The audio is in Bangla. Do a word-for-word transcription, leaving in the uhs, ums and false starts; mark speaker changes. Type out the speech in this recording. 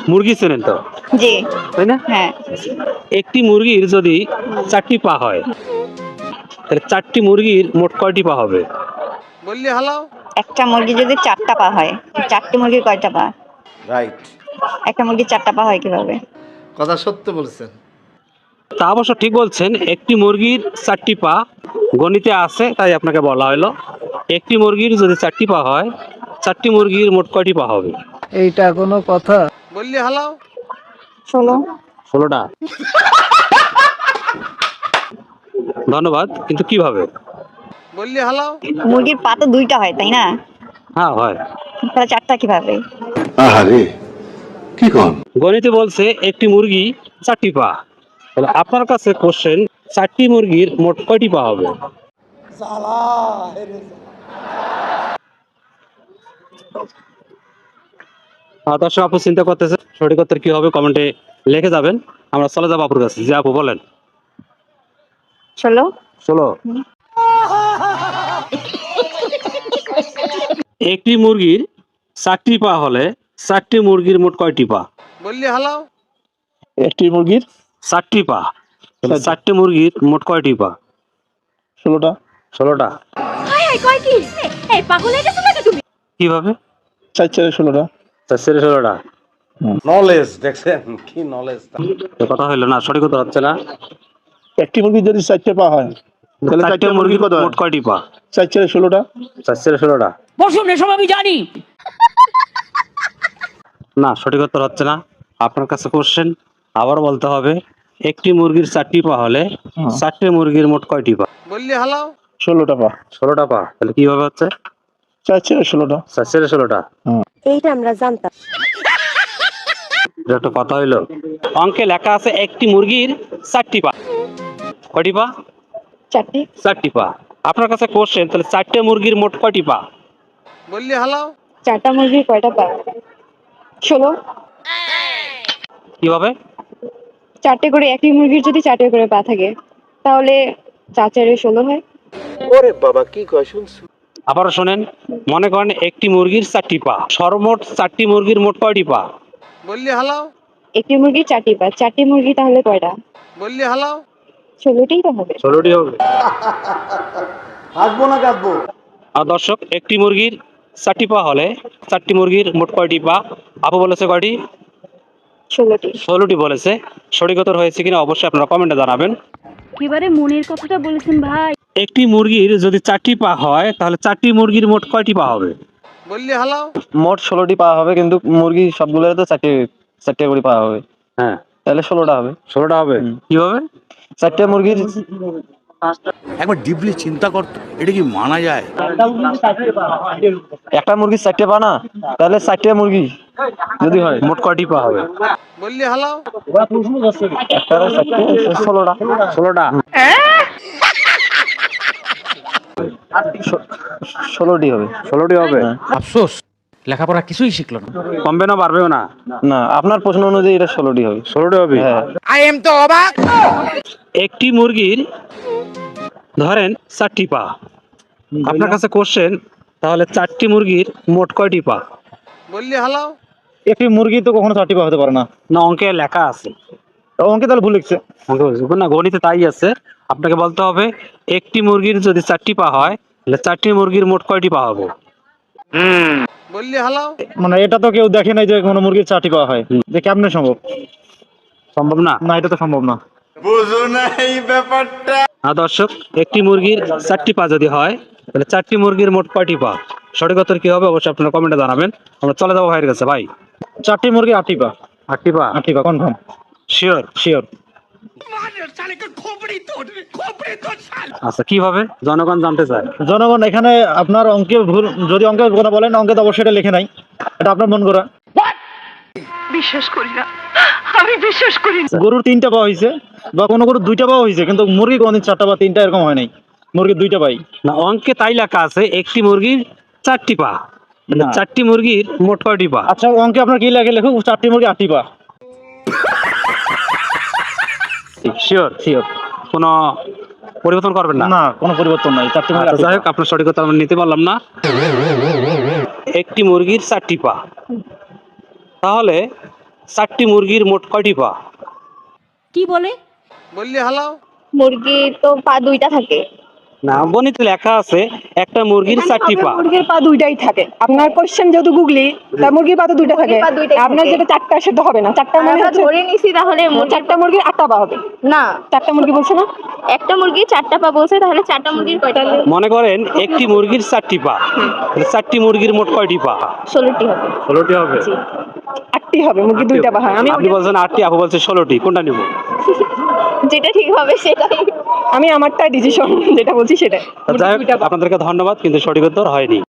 Speaker 1: মুরগি চেনেন তো?
Speaker 2: জি।
Speaker 1: তাই না?
Speaker 2: হ্যাঁ।
Speaker 1: একটি মুরগির যদি চারটি পা হয় তাহলে চারটি মুরগির মোট কয়টি পা হবে?
Speaker 3: বললি হালাও।
Speaker 2: একটা মুরগি যদি চারটা পা হয়, চারটি মুরগির কয়টা পা?
Speaker 3: রাইট।
Speaker 2: একটা মুরগির চারটা পা হয় কিভাবে?
Speaker 3: কথা সত্য বলছেন।
Speaker 1: তা অবশ্য ঠিক বলছেন, একটি মুরগির চারটি পা গণিতে আছে, তাই আপনাকে বলা হলো একটি মুরগির যদি চারটি পা হয় চারটি মুরগির মোট কয়টি পা হবে?
Speaker 4: এইটা কোনো কথা?
Speaker 3: বললি হালাও।
Speaker 2: ষোলো।
Speaker 1: ষোলোটা। ধন্যবাদ, কিন্তু কিভাবে?
Speaker 3: বললি হালাও।
Speaker 2: মুরগির পা তো দুইটা হয়, তাই না?
Speaker 1: হ্যাঁ হয়।
Speaker 2: তাহলে চারটা কিভাবে?
Speaker 5: আহারে কি কোন?
Speaker 1: গণিতে বলছে একটি মুরগি চারটি পা, তাহলে আপনার কাছে কোশ্চেন, চারটি মুরগির মোট কয়টি পা হবে? হ্যাঁ, দর্শক আপু চিন্তা করতেছে সঠিক উত্তর কি হবে, কমেন্টে লিখে যাবেন। আমরা চলে যাবো আপুর কাছে। যে আপু বলেন।
Speaker 2: ষোলো।
Speaker 1: ষোলো। একটি মুরগির চারটি পা হলে চারটি মুরগির মোট কয়টি পা?
Speaker 3: বললি হালাও।
Speaker 6: একটি মুরগির
Speaker 1: চারটি পা, তাহলে চারটি মুরগির মোট কয়টি পা?
Speaker 6: ষোলোটা।
Speaker 1: ষোলোটা। কিভাবে?
Speaker 6: চার চারে ষোলোটা।
Speaker 1: চার চারে ষোলোটা।
Speaker 3: নলেজ দেখছেন কি নলেজ।
Speaker 1: এ কথা হইলো না, সঠিক উত্তর হচ্ছে না।
Speaker 6: একটি মুরগির যদি চারটে পা হয় তাহলে
Speaker 1: চারটে
Speaker 6: চারটে
Speaker 1: মুরগির
Speaker 6: মুরগির কত হয়?
Speaker 1: মোট কয়টি পা?
Speaker 6: চার চারে ষোলোটা।
Speaker 1: চার চারে ষোলোটা।
Speaker 4: বসুন, এসব আমি জানি।
Speaker 1: না, সঠিক উত্তর হচ্ছে না। আপনার কাছে কোশ্চেন, আবার বলতে হবে একটি মুরগির চারটি পা হলে চারটে মুরগির মোট কয়টি পা?
Speaker 3: বললি হালাও।
Speaker 6: ষোলোটা পা।
Speaker 1: ষোলোটা পা, তাহলে কিভাবে হচ্ছে?
Speaker 6: চার চারে ষোলোটা।
Speaker 1: চার চারে ষোলোটা।
Speaker 2: এইটা আমরা জানতাম।
Speaker 1: এটা একটা কথা হইলো। অঙ্কে লেখা আছে একটি মুরগির চারটি পা। কয়টি পা?
Speaker 2: চারটি।
Speaker 1: চারটি পা। আপনার কাছে কোশ্চেন, তাহলে চারটে মুরগির মোট কয়টি পা?
Speaker 3: বললি হালাও।
Speaker 2: চারটা মুরগির কয়টা পা? ষোলো।
Speaker 1: কিভাবে?
Speaker 2: চারটে করে, একটি মুরগির যদি চারটে করে পা থাকে তাহলে চার চারে ষোলো হয়।
Speaker 3: ওরে বাবা কি কয় শুনছো?
Speaker 1: আবারও শোনেন, মনে করেন একটি মুরগির চারটি পা, সর্বমোট চারটি মুরগির মোট কয়টি পা?
Speaker 3: বললি হালাও।
Speaker 2: একটি মুরগির চারটি পা, চারটি মুরগি তাহলে কয়টা?
Speaker 3: বললি হালাও।
Speaker 2: ষোলোটাই তো হবে।
Speaker 1: ষোলোটি হবে।
Speaker 3: হাসবো না কাঁদবো?
Speaker 1: আর দর্শক, একটি মুরগির চারটি পা হলে চারটি মুরগির মোট কয়টি পা? আপু বলেছে কয়টি?
Speaker 2: ষোলোটি।
Speaker 1: ষোলোটি বলেছে। সঠিক উত্তর হয়েছে কিনা অবশ্যই আপনারা কমেন্টে জানাবেন।
Speaker 7: একেবারে মনের কথাটা বলেছেন ভাই।
Speaker 1: একটি মুরগির যদি চারটি পা হয় তাহলে চারটি মুরগির মোট কয়টি পা হবে?
Speaker 3: বললি হালাও।
Speaker 8: মোট ষোলোটি পা হবে, কিন্তু মুরগি সবগুলোর তো চারটে চারটে করে পা হবে।
Speaker 1: হ্যাঁ,
Speaker 8: তাহলে ষোলোটা হবে।
Speaker 1: ষোলোটা হবে। কিভাবে?
Speaker 8: চারটে মুরগির
Speaker 5: একবার ডিপলি চিন্তা করতো, এটা কি মানা যায়?
Speaker 8: একটা মুরগির চারটে পা না, তাহলে চারটে মুরগি যদি হয়
Speaker 1: মোট কয়টি পা হবে?
Speaker 3: বললি হালাও।
Speaker 8: একটা চারটে ষোলোটা।
Speaker 1: ষোলোটা।
Speaker 8: ষোলোটি হবে।
Speaker 1: ষোলোটি হবে।
Speaker 4: আফসোস, লেখাপড়া কিছুই শিখলো না।
Speaker 1: কমবে না বাড়বেও না?
Speaker 8: না, আপনার প্রশ্ন অনুযায়ী এটা ষোলোটি হবে।
Speaker 1: ষোলোটি হবে।
Speaker 8: হ্যাঁ।
Speaker 4: আই এম তো অবাক।
Speaker 1: একটি মুরগির ধরেন চারটি পা, আপনার কাছে কোশ্চেন, তাহলে চারটি মুরগির মোট কয়টি পা?
Speaker 3: বললি হালাও।
Speaker 6: একটি মুরগি তো কখনো চারটি পা হতে পারে না।
Speaker 1: না, অঙ্কে লেখা আছে।
Speaker 6: অঙ্কে তাহলে ভুল লিখছে।
Speaker 1: অঙ্কে বলছে না, গণিতে তাই আছে। আপনাকে বলতে হবে একটি মুরগির যদি চারটি পা হয় তাহলে চারটি মুরগির মোট কয়টি পা হবে?
Speaker 3: বললি হালাও।
Speaker 6: মানে এটা তো কেউ দেখে নাই যে কোনো মুরগির চারটি পা হয়, যে কেমনে সম্ভব?
Speaker 1: সম্ভব না।
Speaker 6: না, এটা তো সম্ভব না।
Speaker 3: বুঝো না এই ব্যাপারটা।
Speaker 1: হ্যাঁ দর্শক, একটি মুরগির চারটি পা যদি হয় তাহলে চারটি মুরগির মোট কয়টি পা? সঠিক উত্তর কি হবে অবশ্যই আপনারা কমেন্টে জানাবেন। আমরা চলে যাবো ভাইয়ের কাছে। ভাই,
Speaker 6: চারটি মুরগি আটটি পা।
Speaker 1: আটটি পা?
Speaker 6: আটটি পা কনফার্ম।
Speaker 1: শিওর?
Speaker 6: শিওর।
Speaker 1: আচ্ছা, কিভাবে জনগণ জানতে চায়?
Speaker 6: জনগণ এখানে আপনার অঙ্কে ভুল, যদি অঙ্কের কথা বলেন অঙ্কে তো অবশ্যই এটা লেখে নাই, এটা আপনার মন করা।
Speaker 7: বিশ্বাস করি না, আমি বিশ্বাস করি না।
Speaker 6: গরুর তিনটা পা হয়েছে বা কোনো গরুর দুইটা পা হয়েছে, কিন্তু মুরগি কোনদিন চারটা বা তিনটা এরকম হয় নাই। মুরগির দুইটা পাই।
Speaker 1: না, অঙ্কে তাই লেখা আছে একটি মুরগির চারটি পা,
Speaker 6: না।
Speaker 1: চারটি মুরগির মোট কয়টি পা?
Speaker 6: আচ্ছা, অঙ্কে আপনার কি লাগে লেখুক, চারটি মুরগি আটটি পা।
Speaker 1: শিওর?
Speaker 6: শিওর।
Speaker 1: কোনো পরিবর্তন করবেন না?
Speaker 6: না, কোনো পরিবর্তন নাই, চারটি মুরগি
Speaker 1: আচ্ছা,
Speaker 6: আটটি
Speaker 1: যাই
Speaker 6: পা।
Speaker 1: হোক, আপনার সঠিক কথা আমরা নিতে পারলাম না। একটি মুরগির চারটি পা, তাহলে চারটি মুরগির মোট কয়টি পা?
Speaker 4: কি বলে?
Speaker 3: বললি হালাও।
Speaker 2: মুরগি তো পা দুইটা থাকে।
Speaker 1: না, গণিতে লেখা আছে একটা মুরগির চারটি পা।
Speaker 9: মুরগির পা দুইটাই থাকে। আপনার কোশ্চেন যেহেতু গুগলি, তা মুরগির পা তো দুইটা থাকে।
Speaker 2: মুরগির পা দুইটাই
Speaker 9: আপনার
Speaker 2: থাকে।
Speaker 9: যেটা চারটা সেটা হবে না। চারটা মানে
Speaker 2: আমরা
Speaker 9: হচ্ছে
Speaker 2: ধরে নিছি তাহলে মুরগি-
Speaker 9: চারটা মুরগির আটটা পা হবে।
Speaker 2: না,
Speaker 9: চারটা মুরগি বলছে না?
Speaker 2: একটা মুরগি চারটা পা বলছে, তাহলে চারটা মুরগির কয়টা পা?
Speaker 1: মনে করেন একটি মুরগির চারটি পা, চারটি মুরগির মোট কয়টি পা?
Speaker 2: ষোলোটি হবে।
Speaker 1: ষোলোটি হবে।
Speaker 9: আটটি হবে, মুরগি দুইটা পা হয়। আমি
Speaker 1: আপনি বলছেন আটটি, আপু বলছে ষোলোটি, কোনটা নিব?
Speaker 2: যেটা ঠিক হবে সেটাই।
Speaker 9: আমি আমারটাই ডিসিশন যেটা বলছি সেটা।
Speaker 1: যাই হোক, আপনাদেরকে ধন্যবাদ, কিন্তু সঠিক উত্তর হয়নি।